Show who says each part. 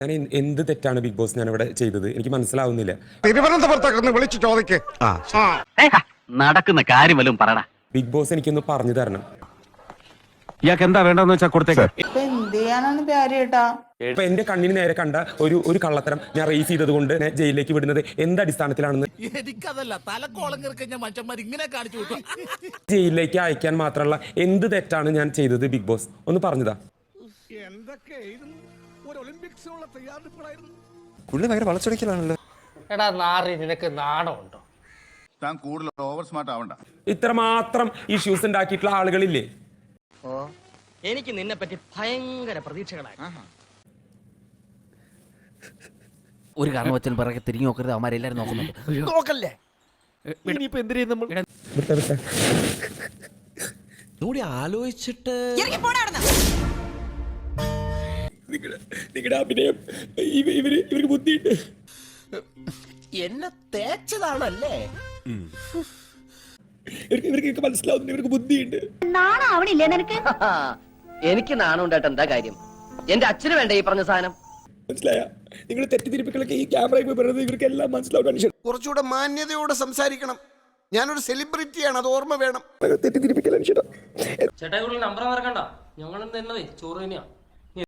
Speaker 1: ഞാൻ എന്ത് തെറ്റാണ് ബിഗ് ബോസ് ഞാൻ ഇവിടെ ചെയ്തത്? എനിക്ക് മനസ്സിലാവുന്നില്ല.
Speaker 2: തിരുവനന്തപുരത്തൊക്കെ വിളിച്ചു ചോദിക്കേ.
Speaker 3: നടക്കുന്ന കാര്യം വല്ലതും പറയടാ.
Speaker 1: ബിഗ് ബോസ് എനിക്കൊന്ന് പറഞ്ഞു തരണം.
Speaker 4: ഇയാൾക്ക് എന്താ വേണ്ടെന്ന് വെച്ചാൽ കൊടുത്തേക്ക്.
Speaker 1: ഇപ്പൊ എന്റെ കണ്ണിന് നേരെ കണ്ട ഒരു കള്ളത്തരം ഞാൻ റേസ് ചെയ്തത് കൊണ്ട് ജയിലിലേക്ക് വിടുന്നത് എന്ത് അടിസ്ഥാനത്തിലാണെന്ന്
Speaker 5: എനിക്കതല്ല ഇങ്ങനെ കാണിച്ചു.
Speaker 1: ജയിലിലേക്ക് അയക്കാൻ മാത്രമുള്ള എന്ത് തെറ്റാണ് ഞാൻ ചെയ്തത്? ബിഗ് ബോസ് ഒന്ന് പറഞ്ഞതാ.
Speaker 6: പുള്ളി ഭയങ്കര വളച്ചൊടിക്കലാണല്ലോ.
Speaker 7: എടാ നാറി, നിനക്ക് നാണമുണ്ടോ?
Speaker 8: താൻ കൂടുതൽ ഓവർ സ്മാർട്ട് ആവണ്ട.
Speaker 1: ഇത്രമാത്രം ഇഷ്യൂസ് ഉണ്ടാക്കിയിട്ടുള്ള ആളുകളില്ലേ?
Speaker 3: എനിക്ക് നിന്നെ പറ്റി ഭയങ്കര പ്രതീക്ഷകളായി.
Speaker 9: ഒരു കാരണം വെച്ചാൽ പിറകെ തിരിഞ്ഞു നോക്കരുത്. അവന്മാരെല്ലാരും നോക്കുന്നുണ്ട്.
Speaker 7: നോക്കല്ലേ? ഇനിയിപ്പോ എന്തിനാ നമ്മൾ
Speaker 5: കൂടി ആലോചിച്ചിട്ട്
Speaker 1: നിങ്ങളുടെ അഭിനയം ഇവർക്ക് ബുദ്ധിയുണ്ട്.
Speaker 5: എന്നെ തേച്ചതാണല്ലേ?
Speaker 1: ഇവർക്ക് മനസ്സിലാവുന്നു, ഇവർക്ക് ബുദ്ധിയുണ്ട്.
Speaker 10: നാണാവണില്ലേ നിനക്ക്?
Speaker 3: എനിക്ക് നാണുണ്ടായിട്ട് എന്താ കാര്യം? എന്റെ അച്ഛന് വേണ്ട ഈ പറഞ്ഞ സാധനം.
Speaker 1: മനസ്സിലായ? നിങ്ങൾ തെറ്റിദ്ധരിപ്പിക്കലൊക്കെ ഈ ക്യാമറയിൽ പറയുന്നത് ഇവർക്ക് എല്ലാം മനസ്സിലാവും.
Speaker 2: കുറച്ചുകൂടെ മാന്യതയോടെ സംസാരിക്കണം. ഞാനൊരു സെലിബ്രിറ്റിയാണ്, അത് ഓർമ്മ വേണം.
Speaker 1: തെറ്റിദ്ധരിപ്പിക്കൽ
Speaker 7: ചേട്ടാ, നമ്പർ മറക്കണ്ട. ഞങ്ങൾ ചോറ് തന്നെയാ.